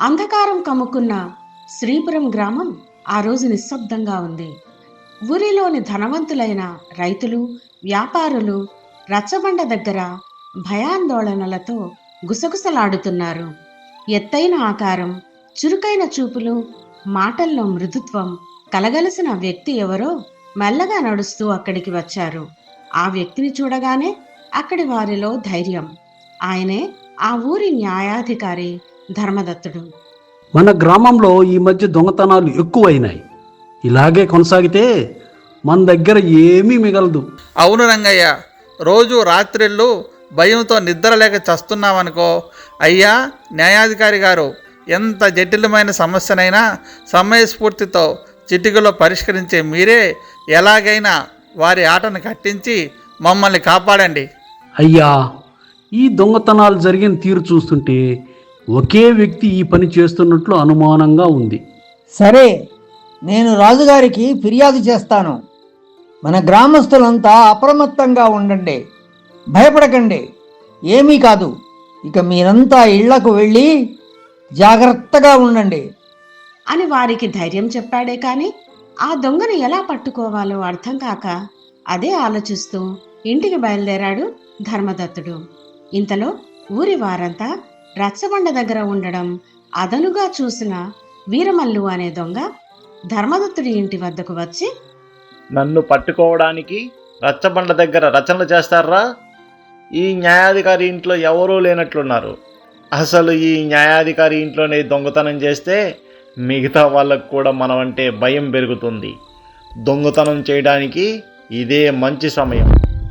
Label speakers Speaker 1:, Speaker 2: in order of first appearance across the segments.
Speaker 1: అంధకారం కమ్ముకున్న శ్రీపురం గ్రామం ఆ రోజు నిశ్శబ్దంగా ఉంది. ఊరిలోని ధనవంతులైన రైతులు, వ్యాపారులు రచ్చబండ దగ్గర భయాందోళనలతో గుసగుసలాడుతున్నారు. ఎత్తైన ఆకారం, చురుకైన చూపులు, మాటల్లో మృదుత్వం కలగలిసిన వ్యక్తి ఎవరో మెల్లగా నడుస్తూ అక్కడికి వచ్చారు. ఆ వ్యక్తిని చూడగానే అక్కడి వారిలో ధైర్యం. ఆయనే ఆ ఊరి న్యాయాధికారి ధర్మదత్తుడు.
Speaker 2: మన గ్రామంలో ఈ మధ్య దొంగతనాలు ఎక్కువైనాయి. ఇలాగే కొనసాగితే మన దగ్గర ఏమీ మిగలదు.
Speaker 3: అవును రంగయ్య, రోజు రాత్రిళ్ళు భయంతో నిద్ర లేక చస్తున్నామనుకో. అయ్యా న్యాయాధికారి గారు, ఎంత జటిలమైన సమస్యనైనా సమయస్ఫూర్తితో చిటికలో పరిష్కరించే మీరే ఎలాగైనా వారి ఆటను కట్టించి మమ్మల్ని కాపాడండి.
Speaker 2: అయ్యా, ఈ దొంగతనాలు జరిగిన తీరు చూస్తుంటే ఒకే వ్యక్తి ఈ పని చేస్తున్నట్లు అనుమానంగా ఉంది.
Speaker 4: సరే, నేను రాజుగారికి ఫిర్యాదు చేస్తాను. మన గ్రామస్తులంతా అప్రమత్తంగా ఉండండి, భయపడకండి, ఏమీ కాదు. ఇక మీరంతా ఇళ్లకు వెళ్ళి జాగ్రత్తగా ఉండండి
Speaker 1: అని వారికి ధైర్యం చెప్పాడే కాని ఆ దొంగను ఎలా పట్టుకోవాలో అర్థం కాక అదే ఆలోచిస్తూ ఇంటికి బయలుదేరాడు ధర్మదత్తుడు. ఇంతలో ఊరి వారంతా రచ్చబండ దగ్గర ఉండడం అదనుగా చూసిన వీరమల్లు అనే దొంగ ధర్మదత్తుడి ఇంటి వద్దకు వచ్చి,
Speaker 5: నన్ను పట్టుకోవడానికి రచ్చబండ దగ్గర రచనలు చేస్తారా? ఈ న్యాయాధికారి ఇంట్లో ఎవరూ లేనట్లున్నారు. అసలు ఈ న్యాయాధికారి ఇంట్లోనే దొంగతనం చేస్తే మిగతా వాళ్ళకు కూడా మనం అంటే భయం పెరుగుతుంది. దొంగతనం చేయడానికి ఇదే మంచి సమయం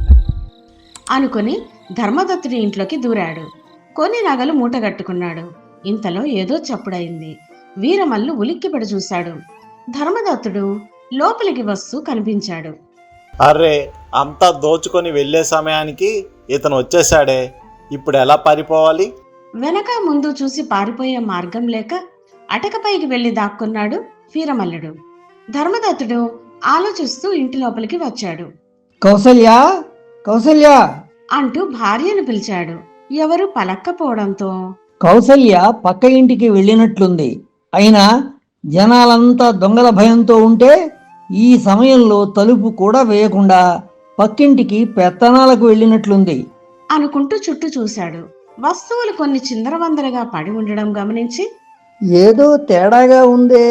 Speaker 1: అనుకుని ధర్మదత్తుడి ఇంట్లోకి దూరాడు. కొన్ని నగలు మూటగట్టుకున్నాడు. ఇంతలో ఏదో చప్పుడైంది. వీరమల్లు ఉలిక్కిపడి చూశాడు. ధర్మదత్తుడు లోపలికి వస్తూ కనిపించాడు.
Speaker 5: అర్రే, అంతా దోచుకొని వెళ్ళే సమయానికి ఇతను వచ్చేసాడే, ఇప్పుడు ఎలా పారిపోవాలి?
Speaker 1: వెనక ముందు చూసి పారిపోయే మార్గం లేక అటకపైకి వెళ్లి దాక్కున్నాడు వీరమల్లుడు. ధర్మదత్తుడు ఆలోచిస్తూ ఇంటి లోపలికి వచ్చాడు.
Speaker 4: కౌసల్య, కౌసల్య
Speaker 1: అంటూ భార్యను పిలిచాడు. ఎవరు పలక్కపోవడంతో
Speaker 4: కౌసల్య పక్క ఇంటికి వెళ్ళినట్లుంది. అయినా జనాలంతా దొంగల భయంతో ఉంటే ఈ సమయంలో తలుపు కూడా వేయకుండా పక్కింటికి పెత్తనాలకు వెళ్ళినట్లుంది
Speaker 1: అనుకుంటూ చుట్టూ చూశాడు. వస్తువులు కొన్ని చిందరవందరగా పడి ఉండడం గమనించి,
Speaker 4: ఏదో తేడాగా ఉందే,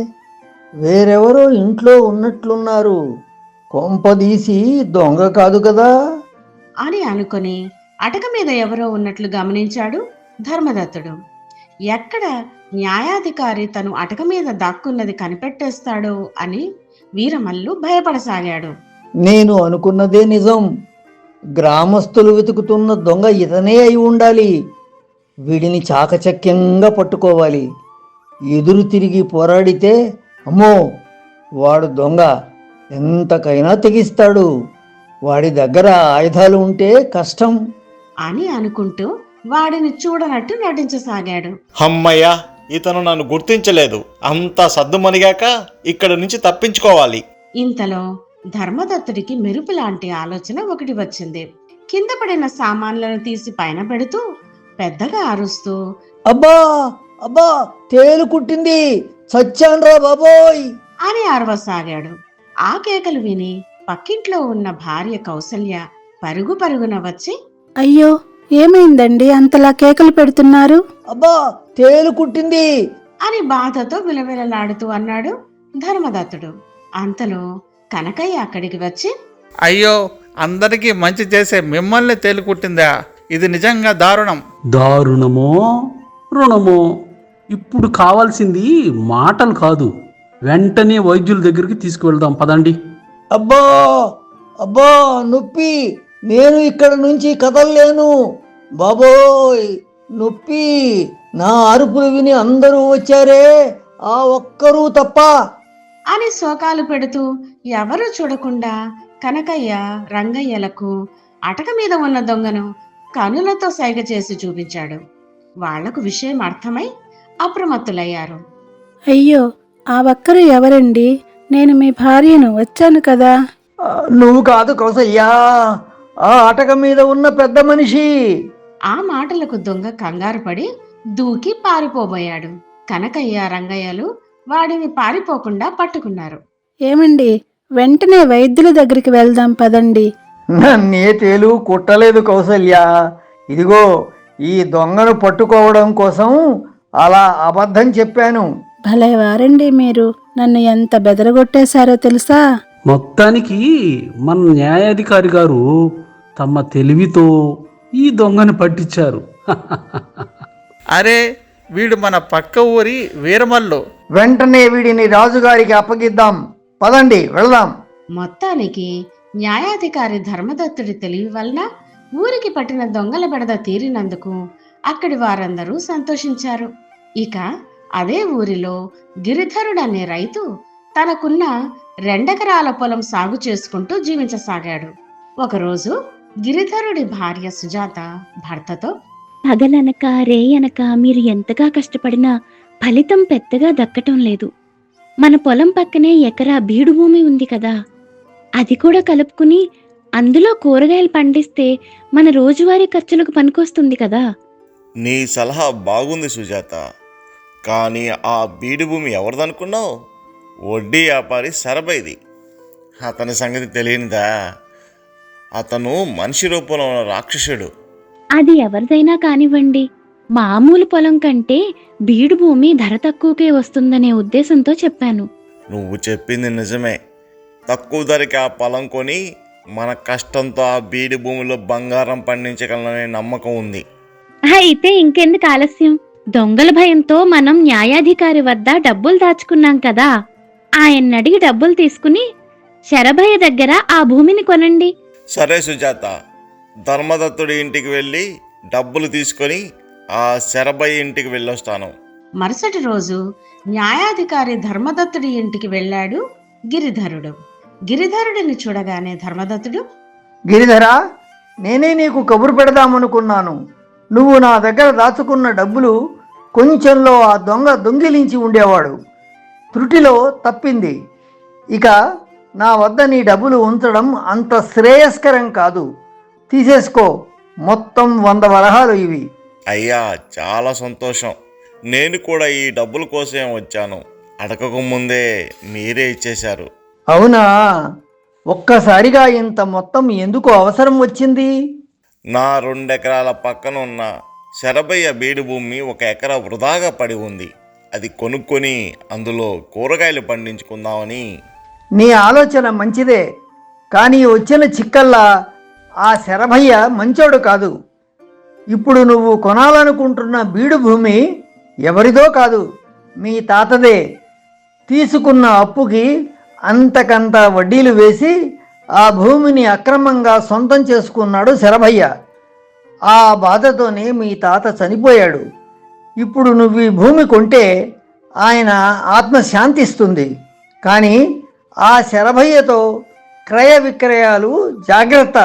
Speaker 4: వేరెవరో ఇంట్లో ఉన్నట్లున్నారు, కొంపదీసి దొంగ కాదు కదా
Speaker 1: అని అనుకుని అటక మీద ఎవరో ఉన్నట్లు గమనించాడు ధర్మదత్తుడు. ఎక్కడ న్యాయాధికారి తను అటక మీద దాక్కున్నది కనిపెట్టేస్తాడో అని వీరమల్లు భయపడసాగాడు.
Speaker 4: నేను అనుకున్నదే నిజం. గ్రామస్తులు వెతుకుతున్న దొంగ ఇతనే అయి ఉండాలి. వీడిని చాకచక్యంగా పట్టుకోవాలి. ఎదురు తిరిగి పోరాడితే అమ్మో, వాడు దొంగ, ఎంతకైనా తెగిస్తాడు. వాడి దగ్గర ఆయుధాలు ఉంటే కష్టం
Speaker 1: అని అనుకుంటూ వాడిని చూడనట్టు నటించసాగాడు.
Speaker 5: అమ్మయ్య, ఇతను నన్ను గుర్తించలేదు. అంతా సద్దుమణిగాక ఇక్కడి నుంచి తప్పించుకోవాలి.
Speaker 1: ఇంతలో ధర్మదత్తుడికి మెరుపు లాంటి ఆలోచన ఒకటి వచ్చింది. కింద పడిన సామాన్లను తీసి పైన పెడుతూ పెద్దగా అరుస్తూ,
Speaker 4: అబ్బా అబ్బా, తేలు కుట్టింది, చచ్చాన్రా బాబోయ్
Speaker 1: అని అరవసాగాడు. ఆ కేకలు విని పక్కింట్లో ఉన్న భార్య కౌసల్య పరుగు పరుగున వచ్చి,
Speaker 6: అయ్యో, ఏమైందండి అంతలా కేకలు పెడుతున్నారు?
Speaker 4: అబ్బా, తేలు కుట్టింది
Speaker 1: అని బాధతో విలవిలలాడుతూ అన్నాడు ధర్మదత్తుడు. అంతలో కనకయ్య అక్కడికి వచ్చి,
Speaker 3: అయ్యో, అందరికీ మంచి చేసే మిమ్మల్ని తేలికుట్టిందా? ఇది నిజంగా దారుణం.
Speaker 2: దారుణమో రుణమో, ఇప్పుడు కావాల్సింది మాటలు కాదు, వెంటనే వైద్యుల దగ్గరికి తీసుకువెళ్దాం పదండి.
Speaker 4: అబ్బా అబ్బా, నొప్పి, నేను ఇక్కడ నుంచి కదలలేను బాబోయ్, నొప్పి. నా అరుపులు విని అందరూ వచ్చారే, ఆ ఒక్కరూ తప్ప
Speaker 1: అని శోకాలు పెడుతూ ఎవరూ చూడకుండా కనకయ్య రంగయ్యలకు అటక మీద ఉన్న దొంగను కనులతో సైగ చేసి చూపించాడు. వాళ్లకు విషయం అర్థమై అప్రమత్తులయ్యారు.
Speaker 6: అయ్యో, ఆ ఒక్కరు ఎవరండి? నేను మీ భార్యను, వచ్చాను కదా.
Speaker 4: నువ్వు కాదు కౌసయ్యా, ఆ అటక మీద ఉన్న పెద్ద మనిషి.
Speaker 1: ఆ మాటలకు దొంగ కంగారు పడి దూకి పారిపోబోయాడు. కనకయ్య రంగయ్యలు వాడిని పారిపోకుండా పట్టుకున్నారు.
Speaker 6: ఏమండి, వెంటనే వైద్యుల దగ్గరికి వెళ్దాం పదండి.
Speaker 4: నన్నే తేలు కుట్టలేదు కౌసల్య. ఇదిగో ఈ దొంగను పట్టుకోవడం కోసం అలా అబద్ధం చెప్పాను.
Speaker 6: భలే వారండి మీరు. నన్ను ఎంత బెదరగొట్టేశారో తెలుసా?
Speaker 2: మొత్తానికి మన న్యాయాధికారి గారు తమ తెలివితో ఈ దొంగను పట్టించారు.
Speaker 3: అరే, వీడు మన పక్క ఊరి వీరమల్లు.
Speaker 4: వెంటనే వీడిని రాజుగారికి అప్పగిద్దాం. పదండి వెళ్దాం.
Speaker 1: మొత్తానికి న్యాయాధికారి ధర్మదత్తుడి తెలివి వలన ఊరికి పట్టిన దొంగల బెడద తీరినందుకు అక్కడి వారందరూ సంతోషించారు. ఇక అదే ఊరిలో గిరిధరుడనే రైతు తనకున్న 2 ఎకరాల పొలం సాగు చేసుకుంటూ జీవించసాగాడు. ఒకరోజు గిరిధరుడి భార్య సుజాత భర్తతో,
Speaker 7: పగలనక రేయనక మీరు ఎంతగా కష్టపడినా ఫలితం పెద్దగా దక్కటం లేదు. మన పొలం పక్కనే ఎకరా బీడు భూమి ఉంది కదా, అది కూడా కలుపుకుని అందులో కూరగాయలు పండిస్తే మన రోజువారీ ఖర్చులకు పనికొస్తుంది కదా.
Speaker 8: నీ సలహా బాగుంది సుజాత, కానీ ఆ బీడు భూమి ఎవరిదనుకున్నావు? వడ్డీ వ్యాపారి సరబైది. అతని సంగతి తెలియనిదా? అతను మనిషి రూపంలో ఉన్న రాక్షసుడు.
Speaker 7: అది ఎవరిదైనా కానివ్వండి, మామూలు పొలం కంటే బీడు భూమి ధర తక్కువకే వస్తుందనే ఉద్దేశంతో చెప్పాను.
Speaker 8: నువ్వు చెప్పింది నిజమే. తక్కువ ధరకి ఆ పొలం కొని మన కష్టంతో ఆ బీడు భూమిలో బంగారం పండించగలననే నమ్మకం ఉంది.
Speaker 7: అయితే ఇంకెందుకు ఆలస్యం? దొంగల భయంతో మనం న్యాయాధికారి వద్ద డబ్బులు దాచుకున్నాం కదా, ఆయన్ని అడిగి డబ్బులు తీసుకుని శరభయ్య దగ్గర ఆ భూమిని కొనండి.
Speaker 8: సరే సుజాత, ధర్మదత్తుడి ఇంటికి వెళ్ళి డబ్బులు తీసుకొని ఆ శరభయ్య ఇంటికి వెళ్ళొస్తాను.
Speaker 1: మరుసటి రోజు న్యాయాధికారి ధర్మదత్తుడి ఇంటికి వెళ్ళాడు గిరిధరుడు. గిరిధరుడిని చూడగానే ధర్మదత్తుడు,
Speaker 4: గిరిధరా, నేనే నీకు కబురు పెడదామనుకున్నాను. నువ్వు నా దగ్గర దాచుకున్న డబ్బులు కొంచెంలో ఆ దొంగ దొంగిలించి ఉండేవాడు. త్రుటిలో తప్పింది. ఇక నా వద్ద నీ డబ్బులు ఉంచడం అంత శ్రేయస్కరం కాదు. తీసేసుకో. మొత్తం 100 వరహాలు ఇవి.
Speaker 8: అయ్యా, చాలా సంతోషం. నేను కూడా ఈ డబ్బుల కోసం వచ్చాను. అడగక ముందే మీరే ఇచ్చేశారు.
Speaker 4: అవునా? ఒక్కసారిగా ఇంత మొత్తం ఎందుకు అవసరం వచ్చింది?
Speaker 8: నా 2 ఎకరాల పక్కన ఉన్న శరభయ్య బీడు భూమి 1 ఎకరా వృధాగా పడి ఉంది. అది కొనుక్కొని అందులో కూరగాయలు పండించుకుందామని.
Speaker 4: నీ ఆలోచన మంచిదే, కానీ వచ్చిన చిక్కల్లా ఆ శరభయ్య మంచోడు కాదు. ఇప్పుడు నువ్వు కొనాలనుకుంటున్న బీడు భూమి ఎవరిదో కాదు, మీ తాతదే. తీసుకున్న అప్పుకి అంతకంత వడ్డీలు వేసి ఆ భూమిని అక్రమంగా సొంతం చేసుకున్నాడు శరభయ్య. ఆ బాధతోనే మీ తాత చనిపోయాడు. ఇప్పుడు నువ్వు ఈ భూమి కొంటే ఆయన ఆత్మ శాంతిస్తుంది. కానీ ఆ శరభయ్యతో క్రయ విక్రయాలు జాగ్రత్త.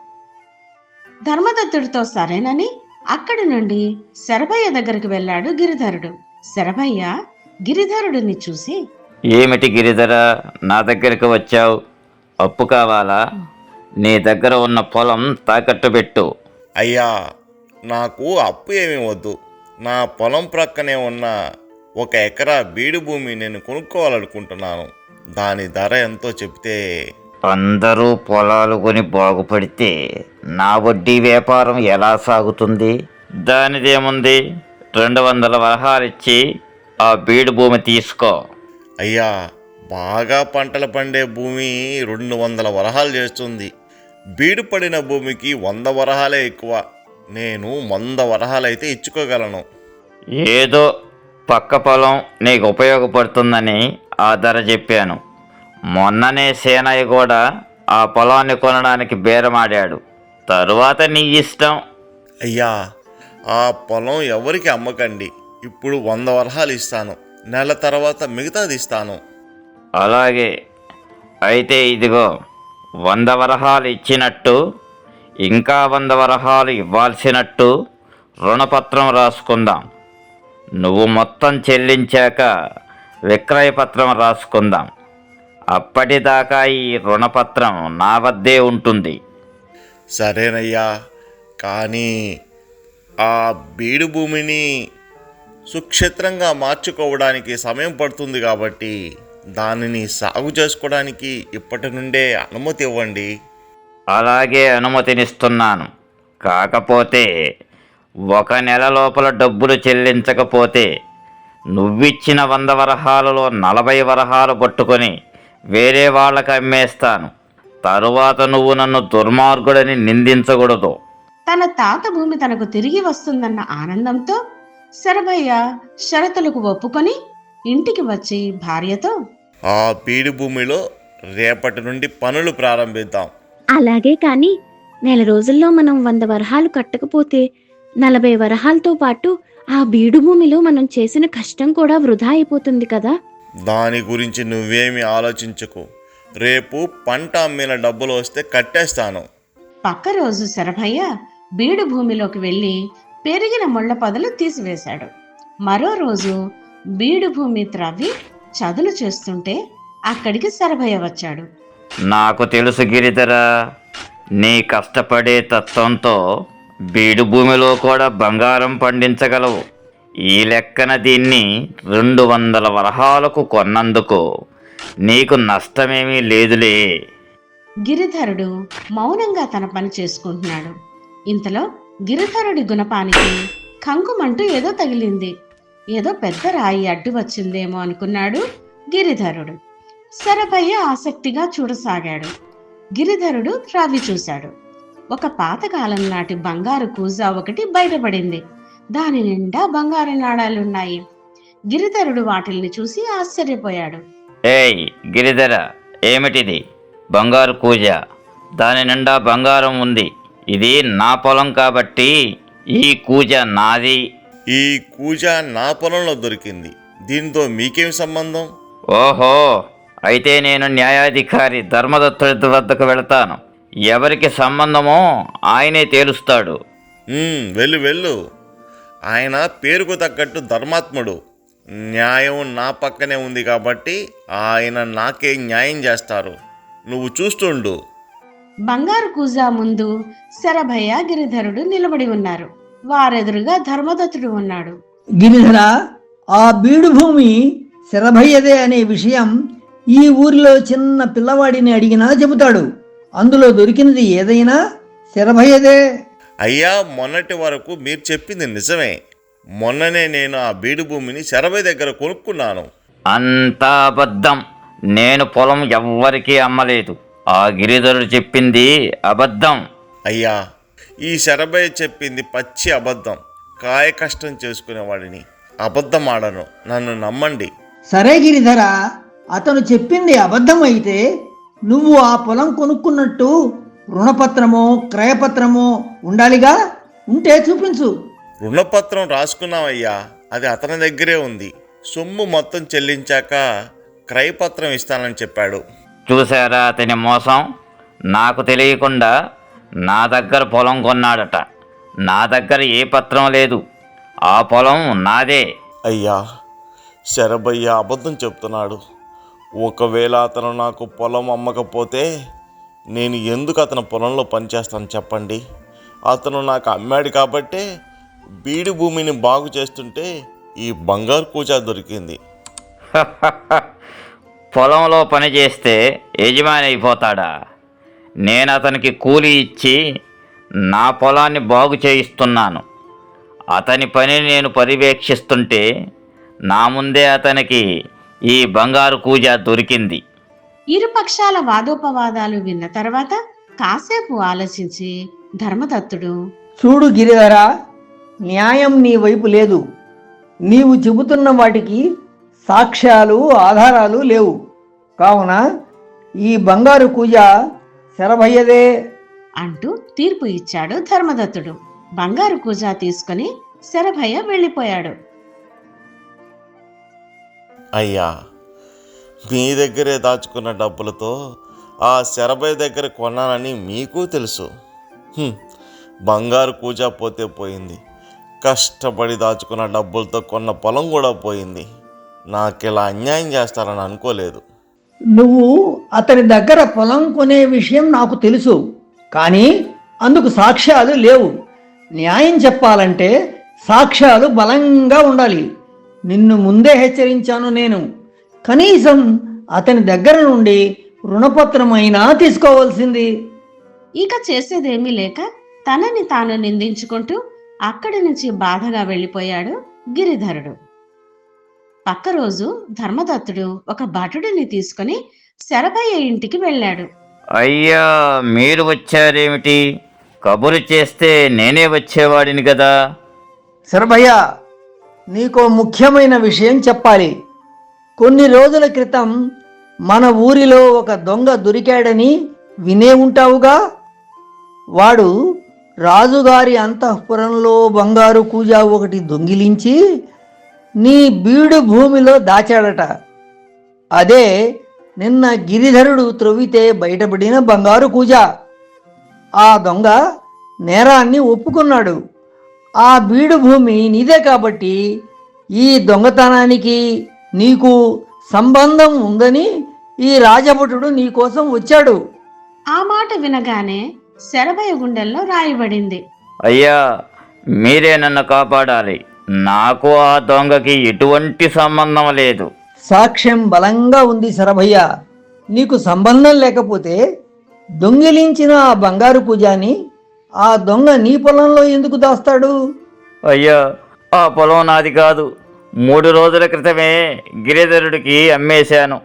Speaker 1: ధర్మదత్తుడితో సరేనని అక్కడి నుండి శరభయ్య దగ్గరికి వెళ్ళాడు గిరిధరుడు. శరభయ్య గిరిధరుడిని చూసి,
Speaker 9: ఏమిటి గిరిధర, నా దగ్గరికి వచ్చావు? అప్పు కావాలా? నీ దగ్గర ఉన్న పొలం తాకట్టు పెట్టు.
Speaker 8: అయ్యా, నాకు అప్పు ఏమీ వద్దు. నా పొలం ప్రక్కనే ఉన్న 1 ఎకరా బీడు భూమి నేను కొనుక్కోవాలనుకుంటున్నాను. దాని ధర ఎంతో చెప్తే.
Speaker 9: అందరూ పొలాలు కొని బాగుపడితే నా వడ్డీ వ్యాపారం ఎలా సాగుతుంది? దానిదేముంది, 200 వరహాలు ఇచ్చి ఆ బీడు భూమి తీసుకో.
Speaker 8: అయ్యా, బాగా పంటలు పండే భూమి 200 వరహాలు చేస్తుంది. బీడు పడిన భూమికి 100 వరహాలే ఎక్కువ. నేను 100 వరహాలైతే ఇచ్చుకోగలను.
Speaker 9: ఏదో పక్క పొలం నీకు ఉపయోగపడుతుందని ఆ ధర చెప్పాను. మొన్ననే సేనయ్య కూడా ఆ పొలాన్ని కొనడానికి బేరమాడాడు. తరువాత నీ ఇష్టం.
Speaker 8: అయ్యా, ఆ పొలం ఎవరికి అమ్మకండి. ఇప్పుడు 100 వరహాలు ఇస్తాను. నెల తర్వాత మిగతాది ఇస్తాను.
Speaker 9: అలాగే అయితే ఇదిగో 100 వరహాలు ఇచ్చినట్టు ఇంకా 100 వరహాలు ఇవ్వాల్సినట్టు రుణపత్రం రాసుకుందాం. నువ్వు మొత్తం చెల్లించాక విక్రయపత్రం రాసుకుందాం. అప్పటిదాకా ఈ రుణపత్రం నా వద్దే ఉంటుంది.
Speaker 8: సరేనయ్యా, కానీ ఆ బీడు భూమిని సుక్షేత్రంగా మార్చుకోవడానికి సమయం పడుతుంది కాబట్టి దానిని సాగు చేసుకోవడానికి ఇప్పటి నుండే అనుమతి ఇవ్వండి.
Speaker 9: అలాగే అనుమతినిస్తున్నాను. కాకపోతే 1 నెల లోపల డబ్బులు చెల్లించకపోతే నువ్విచ్చిన 100 వరహాలలో 40 వరహాలు పట్టుకొని వేరే వాళ్ళకి అమ్మేస్తాను. తరువాత నువ్వు నన్ను దుర్మార్గుడని నిందించకూడదు.
Speaker 1: తన తాత భూమి తనకు తిరిగి వస్తుందన్న ఆనందంతో శరభయ్య షరతులకు ఒప్పుకొని ఇంటికి వచ్చి భార్యతో,
Speaker 8: ఆ బీడు భూమిలో రేపటి నుండి పనులు ప్రారంభిద్దాం.
Speaker 7: అలాగే కాని నెల రోజుల్లో మనం 100 వరహాలు కట్టకపోతే 40 వరహాలతో పాటు ఆ బీడు భూమిలో మనం చేసిన కష్టం కూడా వృధా అయిపోతుంది కదా.
Speaker 8: దాని గురించి నువ్వేమి ఆలోచించకు. రేపు పంట అమ్మిన డబ్బులు వస్తే కట్టేస్తాను.
Speaker 1: పక్క రోజు శరభయ్య బీడు భూమిలోకి వెళ్ళి పెరిగిన ముళ్ళ పొదలు తీసివేశాడు. మరో రోజు బీడు భూమి త్రవ్వి చదును చేస్తుంటే అక్కడికి శరభయ్య వచ్చాడు.
Speaker 9: నాకు తెలుసు గిరిధర, నీ కష్టపడే తత్వంతో బీడు భూమిలో కూడా బంగారం పండించగలవు. ఈ లెక్కన దీన్ని 200 వరహాలకు కొన్నందుకు నీకు నష్టమేమీ లేదులే.
Speaker 1: గిరిధరుడు మౌనంగా తన పని చేసుకుంటున్నాడు. ఇంతలో గిరిధరుడి గుణపానికి కంకుమంటూ ఏదో తగిలింది. ఏదో పెద్ద రాయి అడ్డు వచ్చిందేమో అనుకున్నాడు గిరిధరుడు. శరభయ్య ఆసక్తిగా చూడసాగాడు. గిరిధరుడు త్రవ్వి చూశాడు. ఒక పాతకాలం నాటి బంగారు కూజా ఒకటి బయటపడింది. దాని నిండా బంగారు నాణాలున్నాయి. గిరిధరుడు వాటిల్ని చూసి ఆశ్చర్యపోయాడు.
Speaker 9: ఏయ్ గిరిధర, ఏమిటిది? బంగారు కూజ, దాని నిండా బంగారం ఉంది. ఇది నా పొలం కాబట్టి ఈ కూజ నాది.
Speaker 8: ఈ కూజ నా పొలంలో దొరికింది. దీంతో మీకేం సంబంధం?
Speaker 9: ఓహో, అయితే నేను న్యాయాధికారి ధర్మదత్తుడి వద్దకు వెళతాను. ఎవరికి సంబంధమో ఆయనే తేలుస్తాడు.
Speaker 8: వెళ్ళు వెళ్ళు. ఆయన పేరుకు తగ్గట్టు ధర్మాత్ముడు. న్యాయం నా పక్కనే ఉంది కాబట్టి ఆయన నాకే న్యాయం చేస్తారు. నువ్వు చూస్తుండు.
Speaker 1: బంగారు కూజా ముందు శరభయ్య గిరిధరుడు నిలబడి ఉన్నారు. వారెదురుగా ధర్మదత్తుడు ఉన్నాడు.
Speaker 4: గిరిధర, ఆ బీడు భూమి శరభయ్యదే అనే విషయం ఈ ఊరిలో చిన్న పిల్లవాడిని అడిగినా చెబుతాడు. అందులో దొరికినది ఏదైనా శరభయ్యదే.
Speaker 8: అయ్యా, మొన్నటి వరకు మీరు చెప్పింది నిజమే. మొన్ననే నేను ఆ బీడు భూమిని శరభయ్య దగ్గర కొనుక్కున్నాను.
Speaker 9: అంతా అబద్ధం. నేను పొలం ఎవ్వరికీ అమ్మలేదు. ఆ గిరిధరుడు చెప్పింది అబద్ధం.
Speaker 8: అయ్యా, ఈ శరభయ్య చెప్పింది పచ్చి అబద్ధం. కాయ కష్టం చేసుకునేవాడిని అబద్ధం ఆడను. నన్ను నమ్మండి.
Speaker 4: సరే గిరిధర, అతను చెప్పింది అబద్ధం అయితే నువ్వు ఆ పొలం కొనుక్కున్నట్టు రుణపత్రమో క్రయపత్రమో ఉండాలిగా. ఉంటే చూపించు.
Speaker 8: రుణపత్రం రాసుకున్నామయ్యా, అది అతని దగ్గరే ఉంది. సొమ్ము మొత్తం చెల్లించాక క్రయపత్రం ఇస్తానని చెప్పాడు.
Speaker 9: చూసారా అతని మోసం? నాకు తెలియకుండా నా దగ్గర పొలం కొన్నాడట. నా దగ్గర ఏ పత్రం లేదు. ఆ పొలం నాదే.
Speaker 8: అయ్యా, శరభయ్య అబద్ధం చెప్తున్నాడు. ఒకవేళ అతను నాకు పొలం అమ్మకపోతే నేను ఎందుకు అతని పొలంలో పనిచేస్తాను చెప్పండి? అతను నాకు అమ్మాడు కాబట్టే బీడు భూమిని బాగు చేస్తుంటే ఈ బంగారు కూజా దొరికింది.
Speaker 9: పొలంలో పని చేస్తే యజమాని అయిపోతాడా? నేను అతనికి కూలి ఇచ్చి నా పొలాన్ని బాగు చేయిస్తున్నాను. అతని పని నేను పర్యవేక్షిస్తుంటే నా ముందే అతనికి ఈ బంగారు కూజ దొరికింది.
Speaker 1: ఇరుపక్షాల వాదోపవాదాలు విన్న తర్వాత కాసేపు ఆలోచించి ధర్మదత్తుడు,
Speaker 4: చూడు గిరిధర, న్యాయం నీ వైపు లేదు. నీవు చెబుతున్న వాటికి సాక్ష్యాలు ఆధారాలు లేవు. కావున ఈ బంగారు కూజ శరభయ్యదే
Speaker 1: అంటూ తీర్పు ఇచ్చాడు ధర్మదత్తుడు. బంగారు కూజా తీసుకుని శరభయ్య వెళ్ళిపోయాడు.
Speaker 8: అయ్యా, మీ దగ్గరే దాచుకున్న డబ్బులతో ఆ శరభయ్య దగ్గర కొన్నానని మీకు తెలుసు. బంగారు కూజా పోతే పోయింది. కష్టపడి దాచుకున్న డబ్బులతో కొన్న పొలం కూడా పోయింది. నాకిలా అన్యాయం చేస్తారని అనుకోలేదు.
Speaker 4: నువ్వు అతని దగ్గర పొలం కొనే విషయం నాకు తెలుసు, కానీ అందుకు సాక్ష్యాలు లేవు. న్యాయం చెప్పాలంటే సాక్ష్యాలు బలంగా ఉండాలి. నిన్ను ముందే హెచ్చరించాను నేను. కనీసం అతని దగ్గర నుండి రుణపత్రమైనా తీసుకోవాల్సింది.
Speaker 1: ఇక చేసేదేమీ లేక తనని తాను నిందించుకుంటూ అక్కడి నుంచి బాధగా వెళ్ళిపోయాడు గిరిధరుడు. పక్క రోజు ధర్మదత్తుడు ఒక భటుడిని తీసుకుని శరభయ్య ఇంటికి వెళ్ళాడు.
Speaker 9: అయ్యా, మీరు వచ్చారేమిటి? కబురు చేస్తే నేనే వచ్చేవాడిని కదా.
Speaker 4: శరభయ్య, నీకో ముఖ్యమైన విషయం చెప్పాలి. కొన్ని రోజుల క్రితం మన ఊరిలో ఒక దొంగ దొరికాడని వినే ఉంటావుగా. వాడు రాజుగారి అంతఃపురంలో బంగారు కూజా ఒకటి దొంగిలించి నీ బీడు భూమిలో దాచాడట. అదే నిన్న గిరిధరుడు త్రొవ్వితే బయటపడిన బంగారు కూజా. ఆ దొంగ నేరాన్ని ఒప్పుకున్నాడు. ఆ బీడు భూమి నీదే కాబట్టి ఈ దొంగతనానికి నీకు సంబంధం ఉందని ఈ రాజభటుడు నీకోసం వచ్చాడు.
Speaker 1: ఆ మాట వినగానే శరభయ్య గుండెల్లో రాయబడింది.
Speaker 9: అయ్యా, మీరే నన్ను కాపాడాలి. నాకు ఆ దొంగకి ఎటువంటి సంబంధం లేదు.
Speaker 4: సాక్ష్యం బలంగా ఉంది శరభయ్య. నీకు సంబంధం లేకపోతే దొంగిలించిన ఆ బంగారు కూజాని ఆ దొంగ నీ పొలంలో ఎందుకు దాస్తాడు?
Speaker 9: అయ్యా, ఆ పొలం నాది కాదు. 3 రోజుల క్రితమే గిరిధరుడికి అమ్మేశాను.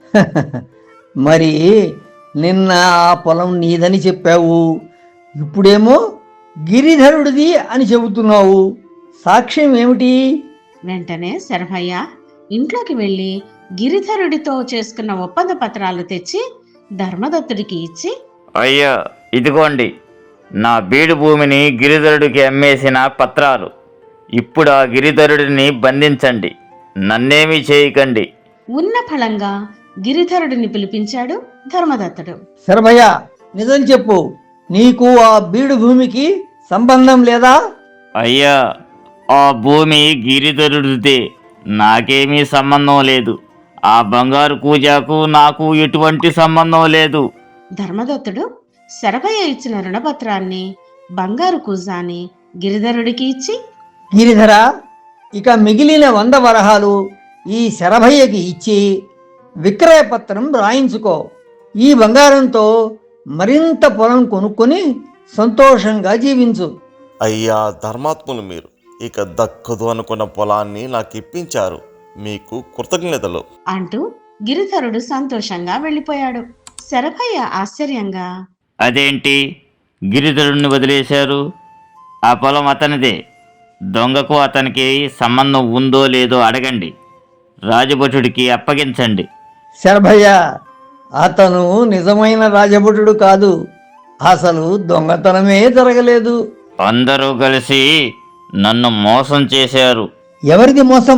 Speaker 4: మరి నిన్న ఆ పొలం నీదని చెప్పావు, ఇప్పుడేమో గిరిధరుడిది అని చెబుతున్నావు. సాక్ష్యం ఏమిటి?
Speaker 1: వెంటనే శరభయ్య ఇంట్లోకి వెళ్ళి గిరిధరుడితో చేసుకున్న ఒప్పంద పత్రాలు తెచ్చి ధర్మదత్తుడికి ఇచ్చి,
Speaker 9: అయ్యా, ఇదిగోండి నా బీడు భూమిని గిరిధరుడికి అమ్మేసిన పత్రాలు. ఇప్పుడు ఆ గిరిధరుడిని బంధించండి, నన్నేమీ చేయకండి.
Speaker 1: ఉన్న ఫలంగా గిరిధరుడిని పిలిపించాడు ధర్మదత్తుడు.
Speaker 4: శరభయ్య, నిజం చెప్పు, నీకు ఆ బీడు భూమికి సంబంధం లేదా?
Speaker 9: అయ్యా, ఆ భూమి గిరిధరుడిదే, నాకేమీ సంబంధం లేదు. ఆ బంగారు కూజాకు నాకు ఎటువంటి సంబంధం లేదు.
Speaker 1: ధర్మదత్తుడు శరభయ్య ఇచ్చిన రుణపత్రాన్ని, బంగారు కూజాని గిరిధరుడికి ఇచ్చి,
Speaker 4: గిరిధర, ఇక మిగిలిన 100 వరహాలు ఈ శరభయ్యకి ఇచ్చి విక్రయపత్రం రాయించుకో. ఈ బంగారంతో మరింత పొలం కొనుక్కొని సంతోషంగా జీవించు.
Speaker 8: అయ్యా ధర్మాత్ములు మీరు, ఇక దక్కదు అనుకున్న పొలాన్ని నాకు ఇప్పించారు. మీకు కృతజ్ఞతలు
Speaker 1: అంటూ గిరిధరుడు సంతోషంగా వెళ్ళిపోయాడు. శరభయ్య ఆశ్చర్యంగా,
Speaker 9: అదేంటి, గిరిధరుడిని వదిలేశారు? ఆ పొలం అతనిదే. దొంగకు అతనికి సంబంధం ఉందో లేదో అడగండి, రాజభటుడికి అప్పగించండి.
Speaker 4: శరభయ్య, అతను నిజమైన రాజభటుడు కాదు. అసలు దొంగతనమే జరగలేదు.
Speaker 9: అందరూ కలిసి నన్ను మోసం చేశారు.
Speaker 4: ఎవరిది మోసం?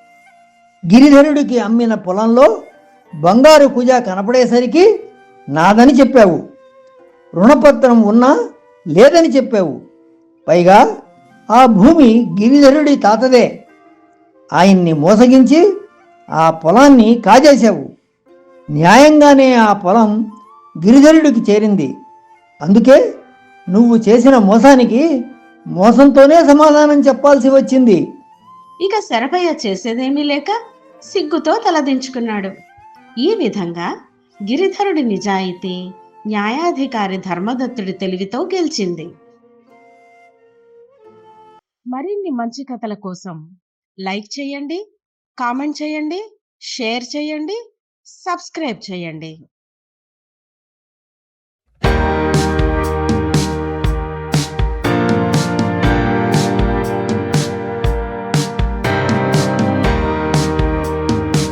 Speaker 4: గిరిధరుడికి అమ్మిన పొలంలో బంగారు కుజ కనపడేసరికి నాదని చెప్పావు. రుణపత్రం ఉన్నా లేదని చెప్పావు. పైగా ఆ భూమి గిరిధరుడి తాతదే. ఆయన్ని మోసగించి ఆ పొలాన్ని కాజేశావు. న్యాయంగానే ఆ పొలం గిరిధరుడికి చేరింది. అందుకే నువ్వు చేసిన మోసానికి మోసంతోనే సమాధానం చెప్పాల్సి వచ్చింది.
Speaker 1: ఇక శరభయ్య చేసేదేమీ లేక సిగ్గుతో తలదించుకున్నాడు. ఈ విధంగా గిరిధరుడి నిజాయితీ న్యాయాధికారి ధర్మదత్తుడి తెలివితో గెలిచింది. మరిన్ని మంచి కథల కోసం లైక్ చేయండి, కామెంట్ చేయండి, షేర్ చేయండి, సబ్స్క్రైబ్ చేయండి.